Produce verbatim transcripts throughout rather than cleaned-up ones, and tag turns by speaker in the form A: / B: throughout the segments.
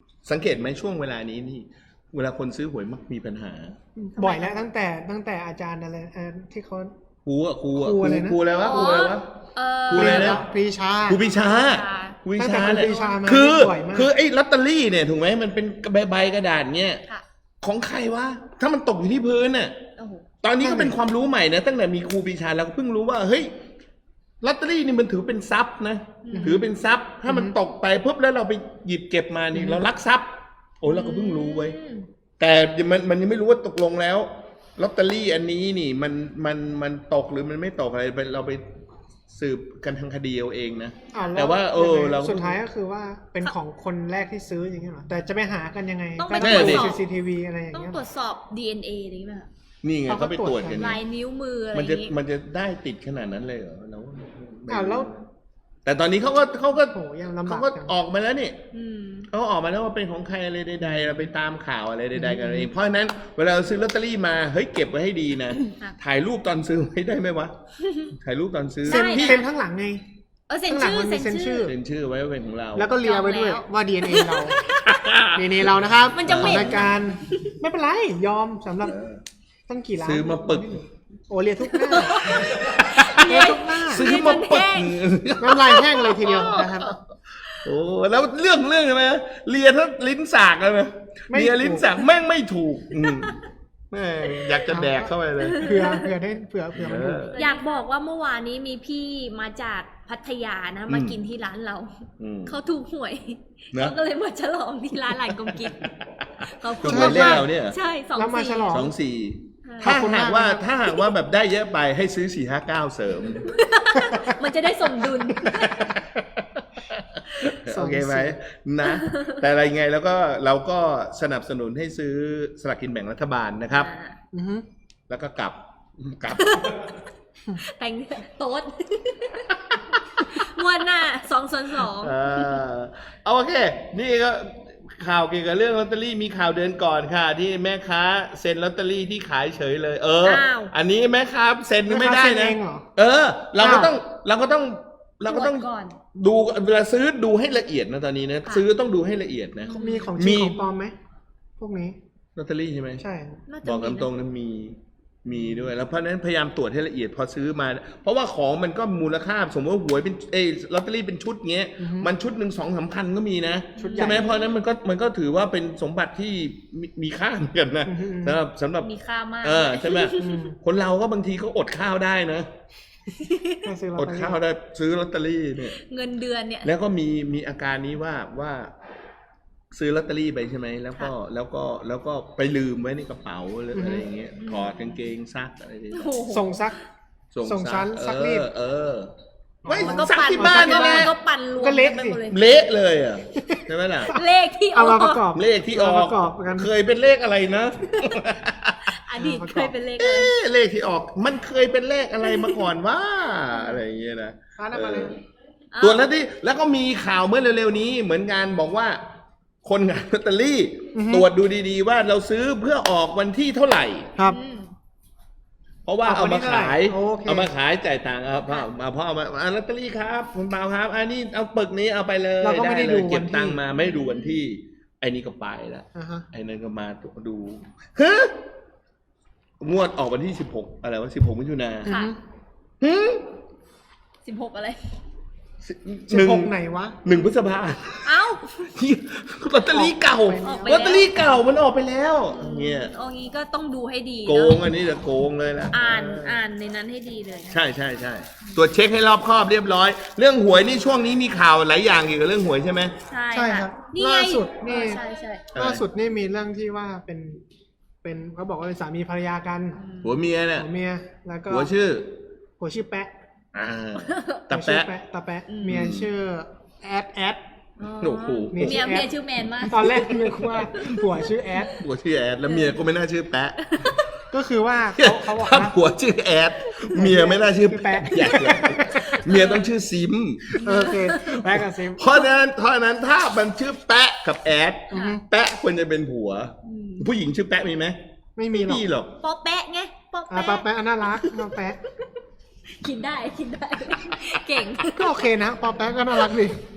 A: สังเกตไหมช่วงเวลานี้นี่เวลาคนซื้อหวยมักมีปัญหา
B: บ่อยแล้วตั้งแต่ตั้งแต่อาจารย์อะไรที่เขา
A: ครูอะครูอะ
B: ครูอะไรนะ
A: ครูอะไรวะครูอะไรวะ ครูอะไรนะ
B: ปรีชา
A: ครูปีชาครูปีชาเนี่ยคือคือไอ้ลอตเตอรี่เนี่ยถูกไหมมันเป็นใบใบกระดาษเนี่ยของใครวะถ้ามันตกอยู่ที่พื้นน่ะตอนนี้ก็เป็นความรู้ใหม่นะตั้งแต่มีครูปีชาเราก็เพิ่งรู้ว่าเฮ้ยลอตเตอรี่นี่มันถือเป็นทรัพย์นะถือเป็นทรัพย์ถ้ามันตกไปปุ๊บแล้วเราไปหยิบเก็บมานี่เราลักทรัพย์โอ้เราก็เพิ่งรู้ไว้แต่มันมันยังไม่รู้ว่าตกลงแล้วลอตเตอรี่อันนี้นี่มันมันมันตกหรือมันไม่ตกอะไรเราไปสืบกันทางคดีเอาเองนะแต่ว่าเออเรา
B: สุดท้ายก็คือว่าเป็นของคนแรกที่ซื้ออย่างเงี้ยหรอแต่จะไปหากันยังไง
C: ต้องไปตรวจสอบ
B: ซี ซี ที วี อะไรอย่างเงี้ย
C: ต้องตรวจสอบ ดี เอ็น เอ อะไรอย่างเงี้ย
A: นี่ไงเขาไปตรวจกัน
C: ลายนิ้วมืออะไร
A: มันจะมันจะได้ติดขนาดนั้นเลยเหรอเรา
B: อ้าวแล้ว
A: แต่ตอนนี้เขาก็เขาก็เขาก็ออกมาแล้วนี่เขาออกมาแล้วว่าเป็นของใครอะไรใดๆเราไปตามข่าวอะไรใดๆกันเองเพราะฉะนั้นเวลาเราซื้อลอตเตอรี่มาเฮ้ยเก็บไว้ให้ดีนะถ่ายรูปตอนซื้อไว้ได้ไหมวะถ่ายรูปตอนซื้อ
B: เซ็นเซ็นข้างหลังไง
C: เออเซ็นชื่อเซ็นชื่อ
A: เซ็นชื่อไว้ว่าเป็นของเรา
B: แล้วก็เลียไว้ด้วยว่า ดี เอ็น เอ เรา ดี เอ็น เอ เรานะครับมันจะเหม็นรายการไม่เป็นไรยอมสำหรับตั้งกี่ล้าน
A: ซื้อมาปึก
B: โอเลียทุกหน้าเลียทุกหน้า
A: ซื้อมาปึก
B: น้ำลายแห้งเลยทีเดียวนะครับ
A: โอ้แล้วเรื่องเรื่องใช่ไหมเลียถ้าลิ้นสากเลยไหมเลียลิ้นสากแม่งไม่ถูกแม่อยากจะแดกเข้าไปเลย
B: เผื่อเผื่อได้เผื่อเผื่อมันถูก
C: อยากบอกว่าเมื่อวานนี้มีพี่มาจากพัทยานะมากินที่ร้านเราเขาถูกหวยเขาก็เลยมาฉลองที่ร้านหลานกงกิน
A: เขาถูกหวยเลขเราเนี่ย
C: ใช่สองสี่
A: สองสี่ถ้าหากว่าถ้าหากว่าแบบได้เยอะไปให้ซื้อสี่ห้าเก้าเสริม
C: มันจะได้สมดุล
A: โอเคไหมนะแต่อะไรไงแล้วก็เราก็สนับสนุนให้ซื้อสลากกินแบ่งรัฐบาลนะครับแล้วก็กลับกลับ
C: แต่งโต๊ดงวดหน้าสองส่วนสอง
A: โอเคนี่ก็ข่าวเกี่ยวกับเรื่องลอตเตอรี่มีข่าวเดือนก่อนค่ะที่แม่ค้าเซ็นลอตเตอรี่ที่ขายเฉยเลยเอออันนี้แม่ค้าเซ็นไม่ได้นะเออเราก็ต้องเราก็ต้องเราก็ต้องดูเวลาซื้อดูให้ละเอียดนะตอนนี้นะซื้อต้องดูให้ละเอียดนะ
B: มีของจริงของปลอมไหมพวกนี้
A: ลอตเตอรี่ใช่ไหม
B: ใช่
A: บอกตรงๆนะมีมีด้วยแล้วเพราะนั้นพยายามตรวจให้ละเอียดพอซื้อมาเพราะว่าของมันก็มูลค่าสมมติว่าหวยเป็นเอลอตเตอรี่เป็นชุดเงี้ยมันชุดหนึ่งสองสามพันก็มีนะใช่ไหมเพราะนั้นมันก็มันก็ถือว่าเป็นสมบัติที่มีค่าเหมือนกันนะสำหรับสำหรับ
C: มีค่ามาก
A: เออใช่ไหมคนเราก็บางทีก็อดข้าวได้นะอดข้าวได้ซื้อลอตเตอรี่เนี่ย
C: เงินเดือนเนี่ย
A: แล้วก็มีมีอาการนี้ว่าว่าซื้อลอตเตอรี่ไปใช่ไหมแล้วก็แล้วก็แล้วก็ไปลืมไว้ในกระเป๋าหรืออะไรอย่างเงี้ยถอดกางเกงซักอะไรอย่างเงี้ย
B: ส่งซักส่งชั้นซักรีด
A: เออไม่ซักที่บ้านนี่แหละ
C: ก็ปั่นรวม
B: ก็เละสิ
A: เละเลยอ่ะใช่ไหมล่ะ
C: เลขที่ออก
A: เลขที่ออกเคยเป็นเลขอะไรนะ
C: อดีตเคยเป็นเลขอะไร
A: เลขที่ออกมันเคยเป็นเลขอะไรมาก่อนว่าอะไรอย่างเงี้ยนะตัวแล้วที่แล้วก็มีข่าวเมื่อเร็วๆนี้เหมือนกันบอกว่าคนงานลอตเตอรี่ตรวจดูดีๆว่าเราซื้อเพื่อออกวันที่เท่าไหร่
B: ครับ
A: เพราะว่าเอามาขายเอามาขายจ่ายตังค์เอาเพราะเอาเพราะเอามาลอตเตอรี่ครับคุณเปาครับอันนี้เอาปึกนี้เอาไปเลย
B: เราก็ไม่ได้ดู
A: เก็บตังค์มาไม่ดูวันที่ไอ้นี่ก็ไปแล้วไอ้นั่นก็มาดูฮะงวดออกวันที่สิบหกอะไรวะสิบหกมิถุนา
C: ค่ะ
A: ฮึ
C: สิบหกอะไร
B: สิบหกไหนวะ
A: หนึ่งพฤษภา
C: เอ้า
A: ลอตเตอรี่เก่าลอตเตอรี่เก่ามันออกไปแล้วเนี่ย
C: โอ้งี้ก็ต้องดูให้ดี
A: โกงอันนี้จะโกงเลยนะ
C: อ่านอ่านในนั้นให้ดีเลย
A: ใช่ใช่ใช่ตรวจเช็คให้รอบคอบเรียบร้อยเรื่องหวยนี่ช่วงนี้มีข่าวหลายอย่างเกี่ยวกับเรื่องหวยใช่ไหม
C: ใช่
B: ใช่ครับล่าสุดนี่ล่าสุดนี่มีเรื่องที่ว่าเป็นเป็นเขาบอกว่าเป็นสามีภรรยากัน
A: ผัวเมียเนี่ย
B: ผัวเมียแล้วก็
A: ผัวชื่อ
B: ผัวชื่อแปะ
A: ตาแปะ
B: ตาแปะเมียชื่อแอดแอด
A: โอ้โห
C: เมียเมียชื่อแมนมาก
B: ตอนแรกนึกว่าผัวชื่อแอด
A: ผัวชื่อแอดแล้วเมียก็ไม่น่าชื่อแปะ
B: ก็คือว่าเขาเขาบอก
A: ว่าผัวชื่อแอดเมียไม่น่าชื่อแปะเมียต้องชื่อซิม
B: โอเคแปะกับซิม
A: เพราะนั้นเพราะนั้นถ้ามันชื่อแปะกับแอดแปะควรจะเป็นผัวผู้หญิงชื่อแปะมีไหม
B: ไม่มี
A: หรอก
C: ปอแปะไงปอแปะ
B: ปอแปะน่ารักปอแปะ
C: คิดได้คิดได้เก่ง
B: ก็โอเคนะปอแป๊กก็น่ารักดี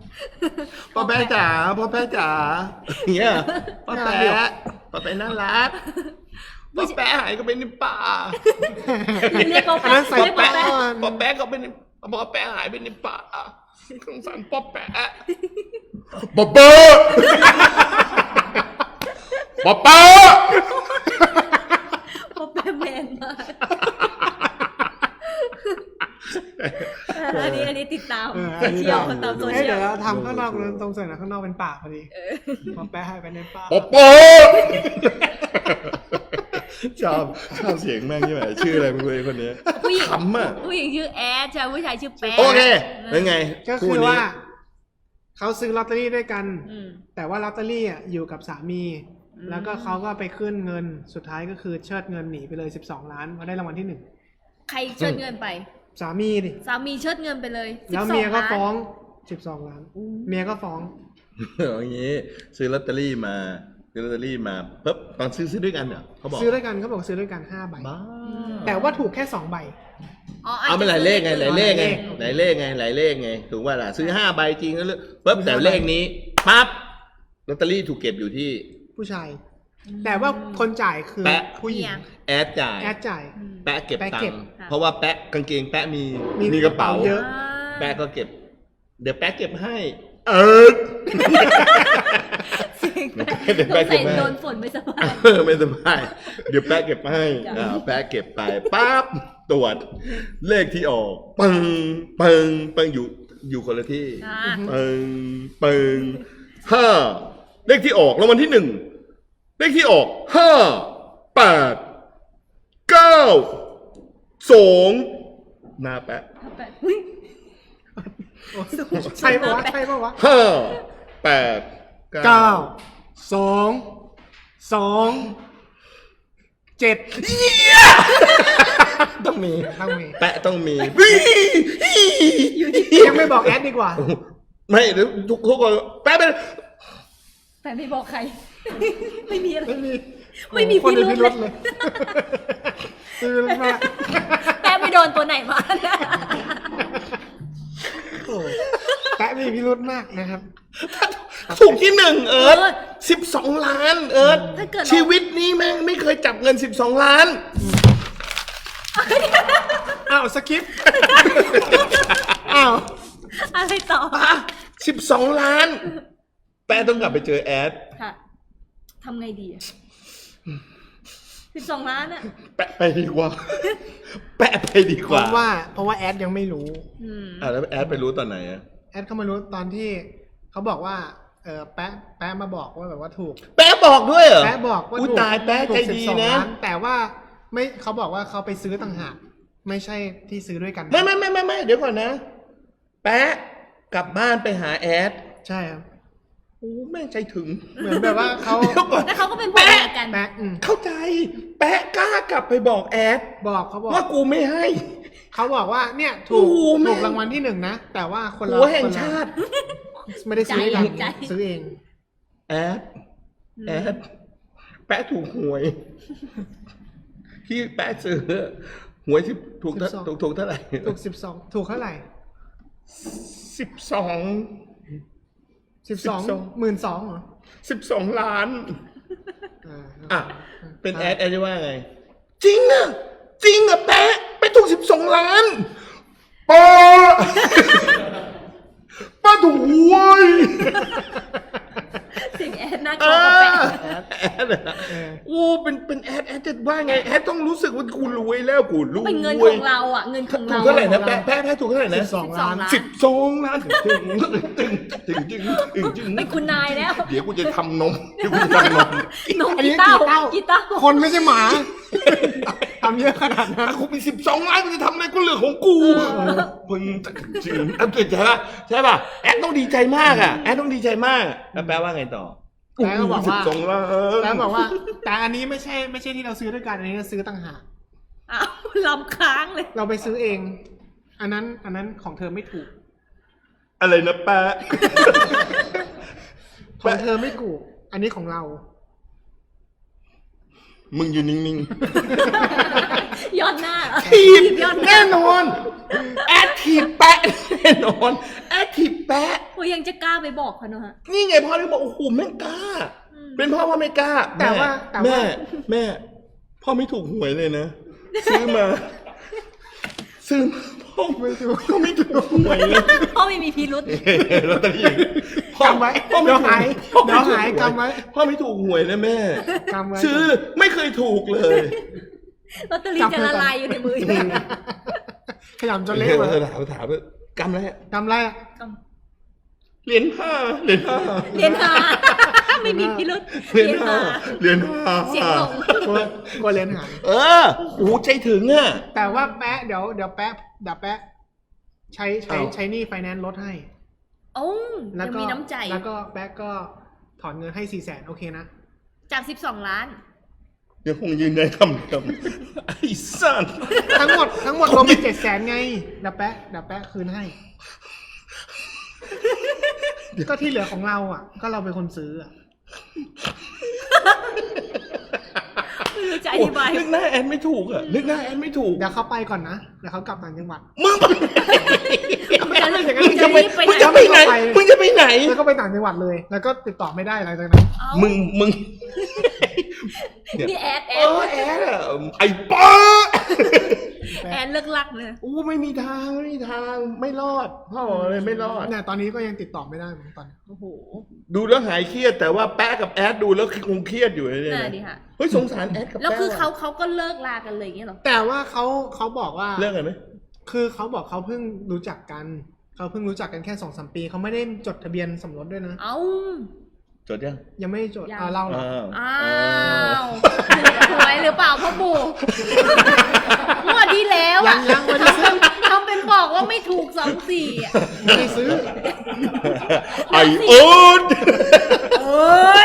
A: พ่อแป๊ะจ๋าพ่อแป๊ะจ๋าเงี้ยพ่อแป๊ะพ่อแป๊ะน่ารักพ่อแป๊ะหายก็ไปในป่า
C: เรียกพ่อ
B: อันนั้น
C: แป๊ะ
B: ใส่
C: เรียกพ่อ
B: แป๊ะ
C: แป๊ะ
B: ก่อน
A: พ่อแป๊ะก็เป็นพ่อแป๊ะหายไปในป่าสงสารพ่อแป๊ะบ๊อบเบ้อบ๊อบเบ้อ
C: พ่อแป๊ะแมนมากอันนี้อันนี้ติดตาม
B: เออ
C: โซเชียลตามโซ
B: เอ้ย
C: เชีย
B: เดี๋
C: ล
B: ยวเราทำข้างนอกตรงส่วนนะข้างนอกเป็นป่าพอดีพอแปะให้ไปในป่า
A: บ๊อบเบ้อชอบชอบเสียงแม่งใช่ไหมชื่ออะไรมึงเลยคนนี้
C: ผู้หญิง
A: ขำอ่ะ
C: ผู้หญิงชื่อแอดใช่ผู้ชายชื่อแป๊ะ
A: โอเคเป็นไง
B: ก็
A: คู่
B: คือ
A: นี้
B: ว่าเขาซื้อลอตเตอรี่ด้วยกัน
C: อืม
B: แต่ว่าลอตเตอรี่อ่ะอยู่กับสามี
C: อืม
B: แล้วก็เขาก็ไปขึ้นเงินสุดท้ายก็คือเชิดเงินหนีไปเลยสิบสองล้านมาได้รางวัลที่หนึ่ง
C: ใครเชิดเงินไป
B: สามีดิ
C: สามีเชิดเงินไปเลย
B: แล้ว
C: สิบสอ
B: เมียก็
C: ล้าน
B: ฟ้องสิบสองล้านเมียก็ฟ้อง
A: อย่างนี้ซื้อลอตเตอรี่มาซื้อลอตเตอรี่มาปุ๊บตอนซื้อซื้อด้วยกันเหรอเขาบอก
B: ซื้อด้วยกันเขาบอกซื้อด้วยกันห้าใบ
A: บ้า
B: แต่ว่าถูกแค่สองใบ
C: อ๋อ
A: เอาเป็นหลายเลขไงหลายเลขไง
B: โอเค
A: หลายเลขไงหลายเลขไงถูกว่าล่ะซื้อห้าใบจริงแล้วปุ๊บแต่เลขนี้ปั๊บลอตเตอรี่ถูกเก็บอยู่ที่
B: ผู้ชาย แต่ว่าคนจ่ายคือ
A: แปะ
B: ผู้หญิง
A: แอดจ่าย
B: แอดจ่าย
C: อืม
A: แปะเก็บ
B: แปะ
A: ตั
B: เก็
A: ง
B: บ
A: ค์
C: ค่ะ
A: เพราะว่าแปะกางเกงแปะมี
B: มี
A: มีกระเป๋า
B: เยอะ
A: แปะก็เก็บ เดี๋ยวแปะเก็บให้ เออ
C: เสียง
A: เดี๋ยว
C: ส
A: แปะ
C: ง
A: เก็
C: สั
A: บ
C: ย
A: ให้
C: โดนฝนไม่สบาย
A: เออไม่สบายเดี๋ยวแปะเก็บให้
C: จ้ะ
A: อ่าแปะเก็บไปปั๊บตรวจเลขที่ออกปึ้งปึ้งปึ้งอยู่อยู่คนละที่
C: อ่า
A: ปึ้งปึ้งห้าเลขที่ออกรางวัลที่หนึ่งเลขที่ออกห้าแปดเก้าสองหน้าแปะ
C: แปะอุ๊ย
B: ใช่ปะวะใช่ปะวะ
A: ห้าแปด
B: เก้าสองสองเจ็ด
A: ต้องมี
B: ต้องมี
A: แปะต้องมี
B: ยังไม่บอกแอดดีกว่า
A: ไม่เดี๋ยวทุกทุกคนแป๊บเป็น
C: แปะไม่บอกใคร ไม่มีอะไร
B: ไม่มี
C: ไม่มี
B: โอ้โห
C: พิรุธ
B: คน
C: เล
B: เลย ยพิรุธมาก
C: แปะไม่โดนตัวไหนมานะ
B: โอ้โหแปะมีพิรุธมากนะครับ
A: ถูกที่หนึ่งเอิร์ธ
C: เออ
A: สิบสองล้านเอิร์ธ
C: ถ้าเกิดเรา
A: ชีวิตนี้แม่งไม่เคยจับเงินสิบสองล้าน
B: อ้าวสกิปอ้าว
C: อะไรต่อ
A: สิบสองล้าน แปะต้องกลับไปเจอแอด
C: ค่ะทำไงดีอะสิบสองล้านอะ
A: แปะไปดีกว่า แปะไปดีก
B: เพ
A: ว่า
B: ราะว่าเพราะว่าแอดยังไม่รู้
C: อืม
A: อ่ะแล้วแอดไปรู้ตอนไหนอะ
B: แอดเข้ามารู้ตอนที่เขาบอกว่าเออแปะแปะมาบอกว่าแบบว่าถูก
A: แปะบอกด้วยเหรอ
B: แปะบอกว่า
A: อุ๊ย
B: ถูก
A: ตายแปะ
B: ถูก
A: ใจดี
B: สิบสอง
A: นะ
B: ล้าแต่ว่าไม่เขาบอกว่าเขาไปซื้อต่างหากไม่ใช่ที่ซื้อด้วยกัน
A: ไม่ไม่ไม่ไม่ไม่เดี๋ยวก่อนนะ แปะกลับบ้านไปหาแอด
B: ใช่ครับ
A: โอ้แม่งใจถึง
B: เหมือนแบบว่าเขา
A: เดี๋ยวก่อน
C: แล้วเขาก็เป็นผัวเมียกัน
B: แปะอืม
A: เข้าใจ แปะกล้ากลับไปบอกแอด
B: บอกเขาบอก
A: ว่ากูไม่ให้
B: เขาบอกว่าเนี่ยถูก
A: โอ้โหแม่
B: ถูกรางวัลที่หนึ่งนะแต่ว่าคนละ
A: หัวแห่ง
B: คนละ
A: ชาติ
B: ไม่ได้ซื้อด้วยกัน
C: ใจ
B: ซื้อเอง
A: แอดแอดแปะถูกหวย พี่แปะซื้อหวยสิบถูกเท่า
B: สิบสอง
A: ถูกถูกเท่าไหร่
B: ถูกสิบสองถูกเท่าไหร่
A: สิบสอง
B: สิบสอง
A: สิบสอง
B: หมื่นสองเหรอ
A: สิบสองล้าน
B: อ่า
A: อ่ะ เป็นแอดแอดจะว่าไง จริงอ่ะ จริงอ่ะแปะไปถูกสิบสองล้านป้า ป้าถูกหวย
C: เสียงแอดน่า
A: เอ
C: กลัวกับแปะ
A: อแอดอะ
B: เออ
A: โอ้เป็นเป็นแอดแอดจะว่าไงแอดต้องรู้สึกว่ากูรวยแล้วกูรวย
C: เป็นเงินของเราอ่ะ เงินของ
A: ถู
C: เรา
A: กเท่าไหร่นะแปะแปะแปะถูกเท่าไหร่นะ
B: สิบสองล้าน
A: สิบสองล้านถึงถึงถึงถึงถึงถึงถึง
C: เป็นคุณนายแล้ว
A: เดี๋ยวกูจะทำนมเดี๋ยวกูจะทำนม
C: นม
B: อันนี้
C: กีตาร์
B: กีตาร์
C: กีตาร์
B: คนไม่ใช่หมา ทำเยอะขนาดนั้น
A: ถ้ากูมีสิบสองล้านกูจะทำอะไรก็เรื่องของกูมึงจริงอ่ะใช่ป่ะใช่ป่ะแอดต้องดีใจมากอ่ะแอดต้องดีใจมากแล้วแปลว่าไงต่อ
B: แปะก็บอก
A: สิ
B: ว่า
A: บสองล้าน
B: แล้วบอกว่า แต่อันนี้ไม่ใช่ไม่ใช่ที่เราซื้อด้วยกันอันนี้เราซื้อต่างหาก
C: อ้าวลำค้างเลย
B: เราไปซื้อเอง อันนั้นอันนั้นของเธอไม่ถูก
A: อะไรนะแปะ
B: ของเธอไม่ถูก อันนี้ของเรา
A: มึงอยู่นิ่ง
C: ย้อนหน้าเหรอ
A: ๆถีบ
C: ย้อนหน้า
A: แน่นอนแอดถีบแปะแน่นอนแอดถีบแปะ
C: โอ้ยยังจะกล้าไปบอกเขาเนอะฮะ
A: นี่ไงพ่อเลยบอกโอ้โหแม่งกล้า เป็นพ่อพ่อไม่กล้า
B: แต่ว่าแต่ว่า
A: แม่แม่พ่อไม่ถูกหวยเลยนะ ซื้อมา ซื้อมาพ่อไม่ถูกพ่อไม่ถูกหวยเลย
C: พ่อไม่มีพิรุษ
A: ลอตเตอรี่พ่อก
B: ำไว้
A: พ่อไม่
B: เดี๋ยว
A: ถูก
B: หาย
A: พ่อไม่
B: เดี๋ยว
A: ถู
B: หาย
A: หวย
B: กำไว้
A: พ่อไม่ถูกหวยเลยแม่
B: กำไว้
A: ซื้อไม่เคยถูกเลย
C: ลอตเตอรี่จะละลายอยู่ในมืออยู่แล้ว
B: ขยำจนเละ
A: เฮ้ย
B: เลย
A: ถามถามว่ากำไรอะ
B: กำไรอะ
A: เหรียญห้าเหรียญห้า
C: เรียนหาไม่มีพิรุษ
A: เหรียญห้าเหรียญห้า
C: เสียงหลง
B: กลัวกลัวเลนหาย
A: เออโอ้โหใจถึงอ่ะ
B: แต่ว่าแปะเดี๋ยวเดี๋ยวแปะเดี๋ยวแปะใช้ใช้
A: เอ้า
B: ใช้หนี่ไฟแนนซ์ลดให้
C: โอ้
B: แล้ว
C: ยัง
B: ก็
C: มีน้ำใจ
B: แล้วก็แปะก็ถอนเงินให้สี่แสนโอเคนะ
C: จากสิบสองล้าน
A: ยังคงยืนยันคำเดิมไอ้สัส
B: ทั้งหมดทั้งหมดรวมเป็นเจ็ดแสนไงเดี๋ยวแปะเดี๋ยวแปะคืนให้ ก็ที่เหลือของเราอ่ะ ก็เราเป็นคนซื้ออ่ะ
C: ไม่รู้จะอธิบาย
A: นึกหน้าแอนไม่ถูกอ่ะนึกหน้าแอนไม่ถูก
B: เดี๋ยวเขาไปก่อนนะเดี๋ยวเขากลับต่างจังหวัด
A: มึงไป
C: จะ
A: มึงจะไป
C: ไป
A: มึง
C: ไหน
A: จะไปไหนมึงจะไปไหน
B: แล้วก็ไปต่างจังหวัดเลย แล้วก็ติดต่อไม่ได้หลังจากนั้น
C: เอ้า
A: มึงมึง
C: นี่แอดแอ
A: เอ
C: ด
A: อแอนอะไอ้ป้า
C: แอนเลิกลักเลย
A: อู้ไม่มีทางไม่มีทางไม่รอดพ่อบอกเลยไม่รอด
B: เนี่ยตอนนี้ก็ยังติดต่อไม่ได้เหมือนตอนนี้
C: โอ้โห
A: ดูแล้วหายเครียดแต่ว่าแป๊ะกับแอดดูแล้วคงเครียดอยู่เลยเนี่ย
C: น่า
A: นะ
C: ดีค่ะ
A: เฮ้ยสงสารแอดกับแป๊ะ
C: แล้วคือเขา
A: ว่ะ
C: เขาก็เลิกลากันเลยอย่างเงี้ยเหรอ
B: แต่ว่าเขาเขาบอกว่า
A: เรื่องอะไรไหม
B: คือเขาบอกเขาเพิ่งรู้จักกัน เขาเพิ่งรู้จักกันแค่สองสามปี เขาไม่ได้จดทะเบียนสมรสด้วยนะ
C: เอ้า
A: จดยัง
B: ยังไม่ได้จด
C: ยัง
B: อ่าเล่าเหรอ
A: อ้าว
C: อ้าวหวยหรือเปล่าพ่อปู่งวดที่แล้ว
B: ยั
C: อ่ะ
B: งยังไม่ได้ซื้อ
C: ทำเป็นบอกว่าไม่ถูกสองสี่อ่ะ
B: ไม่ได้ซื้อ
A: ไอ้โอ๊ต
C: เอ้ย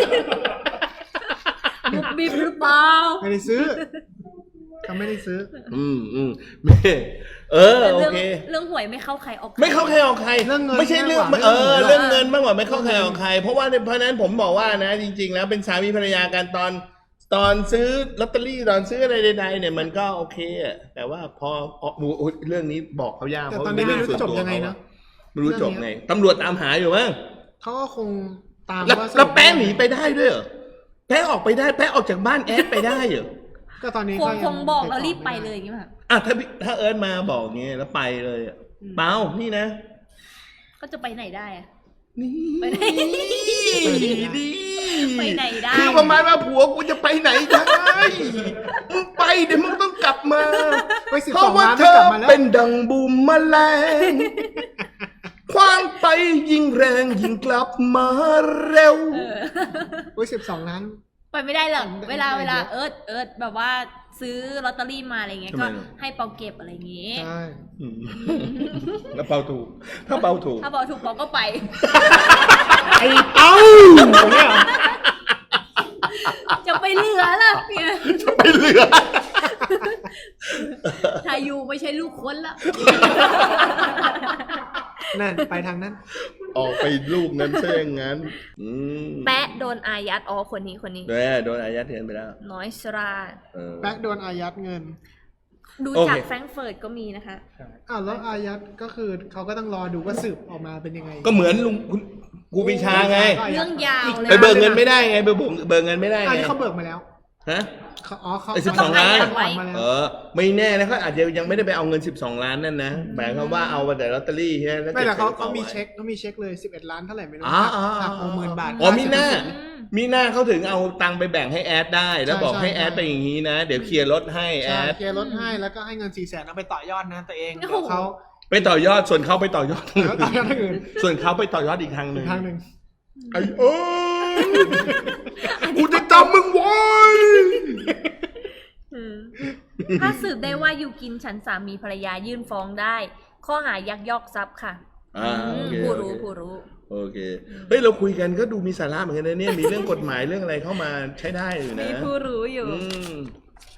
C: บุบบิบหรือเปล่า
B: ไม่ได้ซื้อเขาไม่ได้ซื้อ
A: อืมอืมแม่เออ
C: แต่
A: โอ
C: เรื่อง
A: เค
C: เรื่องหวยไม่เข้าใครออกใคร
A: ไม่เข้าใครออกใคร
B: เรื่องเงิน
A: ไม่ใช่เรื่อง
B: มากกว่า
A: เออ
B: เรื่
A: เรื่อ
B: อง งเงิ
A: เงิน
B: น
A: มากกว่าไม่เข้าใครออกใคร เพราะว่าเพราะฉะนั้นผมบอกว่านะ จริง ๆ แล้วเป็นสามีภรรยากันตอน ตอนซื้อลอตเตอรี่ตอนซื้ออะไรใดๆเนี่ยมันก็โอเคอะแต่ว่าพออ๋อโอ้ยเรื่องนี้บอกเขายาก
B: แต่
A: เพราะ
B: ตอน
A: มัน
B: นี้
A: เป็น
B: ไม่
A: เรื่องส่วน
B: รู้จบ
A: ตัว
B: ยังไง
A: เขา
B: นะ
A: ไม่รู้จบไงตำรวจตามหาอยู่มั้ง
B: เขาก็คงตาม
A: แล้ว
B: ว่าสรุป
A: แล้วแป๊ะหนีไปได้ด้วยเหรอแป๊ะออกไปได้แป๊ะออกจากบ้านแอดไปได้เหรอ
B: ก็ตอนนี้
C: คง
B: ก็ยั
C: คงบอก
B: ติด
C: แล้ว
B: ต่
C: รีบไป
B: ม่ด้
C: เลยอย่างเงี้ยค่ะ
A: อ่ะถ้าพี่ถ้าเอิร์ธมาบอกเงี้ยแล้วไปเลยอะเปล่านี่นะ
C: ก็จะไปไหนได้อะ
A: นี่
C: ไปไหน
A: นี่
C: ไปไหนได้
A: คือประมาณว่าผัวกูจะไปไหนได้มึงไปเดี๋ยวมึงต้องกลับมา
B: ไปสิบ
A: เพ
B: สอ
A: ราะ
B: ง
A: ว่า
B: ล้าน
A: เธ
B: ไม่
A: อก
B: ลับมาแล้ว
A: เป็นดังบูมแมลงคว้างไปยิ่งแรงยิ่งกลับมาเร็ว
C: เออ
B: โอ้ยสิบสองล้าน
C: ไปไม่ได้หรอก
B: ได้
C: เวลา
B: ได้
C: เวลา
B: เยอะ
C: เอิร์ธเอิร์ธแบบว่าซื้อลอตเตอรี่มาอะไรเงี้ย
A: ทำไม
C: ก็
A: ล่ะ
C: ให้เปาเก็บอะไรอย่างงี้
B: ใช่
A: อืมแล้วเปาถูก ถ้าเปาถูก
C: ถ้าบอกถูกเปาก็ไป
B: ไอ้เอ้าอย่างเงี้ยเหรอ
C: จะไปเหลือล่ะเนี่ย
A: จะไปเหลือ
C: ทายูไม่ใช่ลูกคนละ
B: นั่นไปทางนั้น
A: ออกไปลูกนั้นซะอย่างนั้นอืม
C: แปะโดนอายัดอ๋อคนนี้คนนี้
A: โดนโดนอายัดเงินไปแล้ว
C: น้อยสรา
A: เออ
B: แบ็คโดนอายัดเงิน
C: ดู
A: โอเค
C: จากแฟรงก์เฟิร์ตก็มีนะคะ
B: อ้าวแล้วอายัดก็คือเขาก็ต้องรอดูว่าสืบออกมาเป็นยังไง
A: ก็เหมือนลุงคุณกูปีชาไง
C: เรื่องยาวเลย
A: ไปเบิกเงินไม่ได้ไงไปเบิกเบิกเงินไม่ได้
B: อัน
A: ไง
B: นี้เขาเบิกมาแล้ว
A: ฮะ
B: เขาอ๋อเขา
A: ไอ้สิบ
C: ต้
A: ส
C: อ
A: อง ง
C: อา
A: ล้าน
C: ยัดไว้
B: มาแล้ว
A: เออ ไม่แน่นะเขาอาจจะยังไม่ได้ไปเอาเงินสิบสองล้านนั่นนะหมายความว่าเอาแต่ลอตเตอรี่ใช่ไหมแล้ว
B: ไม่แต่เขา
A: ก็บ
B: เขามี
A: ไว้
B: เช็คเขามีเช็คเลยสิบเอ็ดล้านเท่าไหร่ไม่รู้
A: อ๋ออ๋อ
B: หักหกหมื่นบาท
A: อ๋อมีหน้า
C: อืม
A: มีหน้าเขาถึงเอาตังค์ไปแบ่งให้แอดได้ แล้ว
B: ใช่
A: บอกให้
B: ใช่
A: แอดไปอย่างนี้นะ เดี๋ยวเคลียร์รถให้แอ
B: ใช่
A: ด
B: เคลียร์ลดให้แล้วก็ให้เงินสี่แสนเอาไปต่อยอดนะตัวเอง
C: โอ้
B: เดี๋
C: โห
B: ยวเขา
A: ไปต่อยอดส่วนเขาไปต่อยอดทาง
B: แล้วต่อยอดทาง
A: อื่
B: อื่
A: น
B: น
A: ส่วนเขาไปต่อยอดอีกทางห
B: อี
A: นึ่
B: ก
A: ง
B: ทางหนึ่ง
A: ไอ้เอ้ยกูจะจำมึงไว้
C: อืมถ้าสืบได้ว่าอยู่กินฉันสามีภรรยายื่นฟ้องได้ ข้อหายักยอกทรัพย์ค่ะ
A: อ่าโอเค
C: ผู้
A: โอ
C: รู้
A: เค
C: ผู้รู้
A: โอเค เฮ้ย เราคุยกันก็ดูมีสาระเหมือนกันนะเนี่ย มีเรื่องกฎหมายเรื่องอะไรเข้ามาใช้ได้อยู่นะ
C: มีผู้รู้อยู่
A: อืม